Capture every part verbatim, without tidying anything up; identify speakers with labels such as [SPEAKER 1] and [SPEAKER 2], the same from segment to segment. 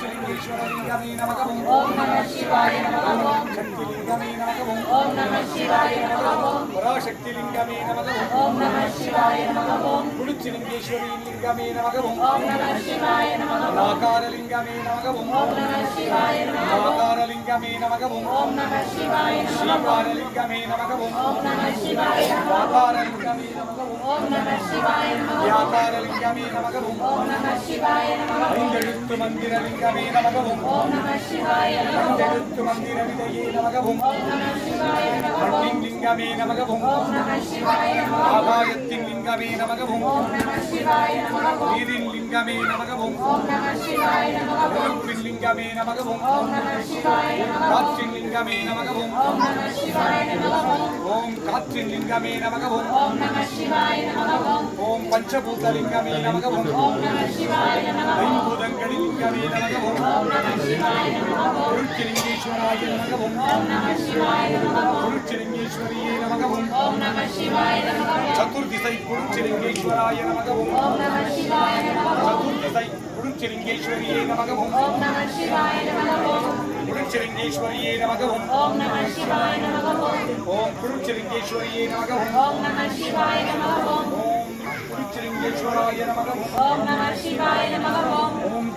[SPEAKER 1] குருச்சிலிங்கேஸ்வரலிங்கமே நமக ஓம் நம சிவாய நமக ஓம் சக்திலிங்கமே நமக ஓம் நம சிவாய நமக ஓம் பராசக்திலிங்கமே நமக ஓம் நம சிவாய நமக ஓம் குருச்சிலிங்கேஸ்வரலிங்கமே நமக ஓம் நம சிவாய நமக ஓம் ஆகாரலிங்கமே நமக ஓம் நம சிவாய நமக ஓம் ஆகாரலிங்கமே நமக ஓம் நம சிவாய நமக ஓம் ஸ்ரீகாரலிங்கமே நமக ஓம் நம சிவாய நமக ஓம் ஆகாரலிங்கமே நமக ஓம் நம சிவாய நமக ஓம் யாகாரலிங்கமே நமக ஓம் நம சிவாய நமக ஓம் ஐந்தெழுத்து மந்திரலிங்கமே நமக ஓம் நம சிவாய நமக ஓம் ஐந்தெழுத்து மந்திர விதையே நமக ஓம் நம சிவாய நமக ஓம் லிங்கமே நமக ஓம் நம சிவாய நமக ஓம் ஆகாயத்தின் லிங்கமே நமக ஓம் நம சிவாய நமக ஓம் நீரின் லிங்கமே நமக ஓம் நம சிவாய நமக ஓம் நெருப்பின் லிங்கமே நமக ஓம் நம சிவாய நமக ஓம் காற்றின் லிங்கமே நமக ஓம் நம சிவாய நமக ஓம் ஓம் காற்றின் லிங்கமே நமக ஓம் நம சிவாய நமக ஓம் ஓம் பஞ்சபூதலிங்கமே நமக ஓம் நம சிவாய நமக ஓம் ஐம்பூதங்களின் லிங்கமே நமக ஓம் நம சிவாய நமக ஓம் குருச்சிலிங்கேஸ்வராய நமக ஓம் நம சிவாய நமக ஓம் குருச்சிலிங்கேஸ்வரியே நமக ஓம் நம சிவாய நமக ஓம் சதுர்திசை குருச்சிலிங்கேஸ்வராய நமக ஓம் நம சிவாய நமக ஓம் சதுர்திசை குருச்சிலிங்கேஸ்வரியே நமக ஓம் நம சிவாய நமக ஓம் குருச்சிலிங்கேஸ்வரியே நமக ஓம் நம சிவாய நமக ஓம் ஓம் குருச்சிலிங்கேஸ்வரியே நமக ஓம் நம சிவாய நமக ஓம் ஓம் குருச்சிலிங்கேஸ்வராய நமக ஓம் நம சிவாய நமக ஓம் ஓம்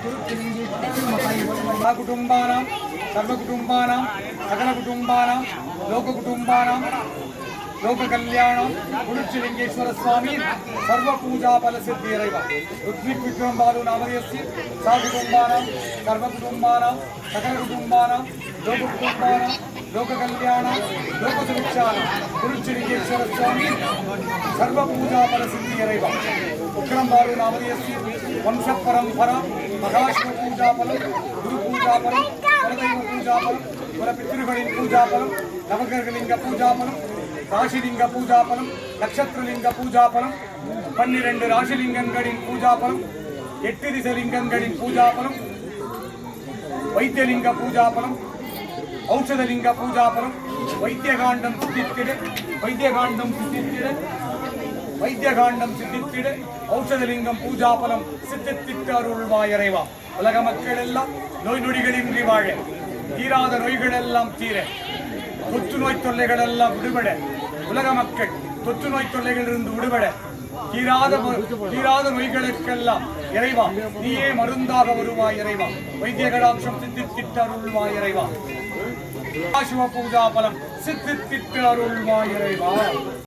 [SPEAKER 1] குருச்சிலிங்கேஸ்வராய குடும்பானாம் சர்வ குடும்பானாம் சகல குடும்பானாம் லோக குடும்பானாம் லோக கல்யாணம் குருச்சிலிங்கேஸ்வர சுவாமி சர்வ பூஜா பல சித்தி இறைவா ருத்விக் விக்ரம் பாலு நாமதேஸ்ய சா குடும்பானாம் சர்வ குடும்பானாம் சகல குடும்பானாம் லோக குடும்பானாம் லோக கல்யாணம் லோக சுபிக்ஷானம் குருச்சிலிங்கேஸ்வர சுவாமி சர்வ பூஜா பல சித்தி இறைவா விக்ரம் பாலு நாமதேஸ்ய வம்ச பரம்பரா மகாஷ்ம பூஜா பலம் குரு பூஜா பலம் பரதெய்வ பூஜா பலம் பல பித்ருகளின் பூஜா பலம் நவகிரகலிங்க பூஜா பலம் ராசிலிங்க பூஜா பலம் நட்சத்திரலிங்க பூஜா பலம் பன்னிரண்டு ராசிலிங்கங்களின் பூஜா பலம் எட்டு திசலிங்கங்களின் பூஜா பலம் வைத்தியலிங்க பூஜா பலம் ஔஷதலிங்க பூஜா பலம் வைத்தியகாண்டம் சித்தித்திட வைத்தியகாண்டம் சித்தித்திட வைத்தியகாண்டம் சித்தித்திட ஔஷதலிங்கம் பூஜா பலம் சித்தித்திட்டு அருள்வாய் இறைவா உலக மக்கள் எல்லாம் நோய் நொடிகளின்றி வாழ தீராத நோய்கள் எல்லாம் தீர தொற்று நோய் தொல்லைகள் எல்லாம் விடுபட உலக மக்கள் தொற்று நோய் தொல்லைகளிலிருந்து விடுபட தீராத தீராத நோய்களுக்கெல்லாம் இறைவா நீயே மருந்தாக வருவாய் இறைவா வைத்திய கடாட்சம் சித்தித்திட்டு அருள்வாய் இறைவா சிவ பூஜா பலம் சித்தித்திட்டு அருள்வாய் இறைவா.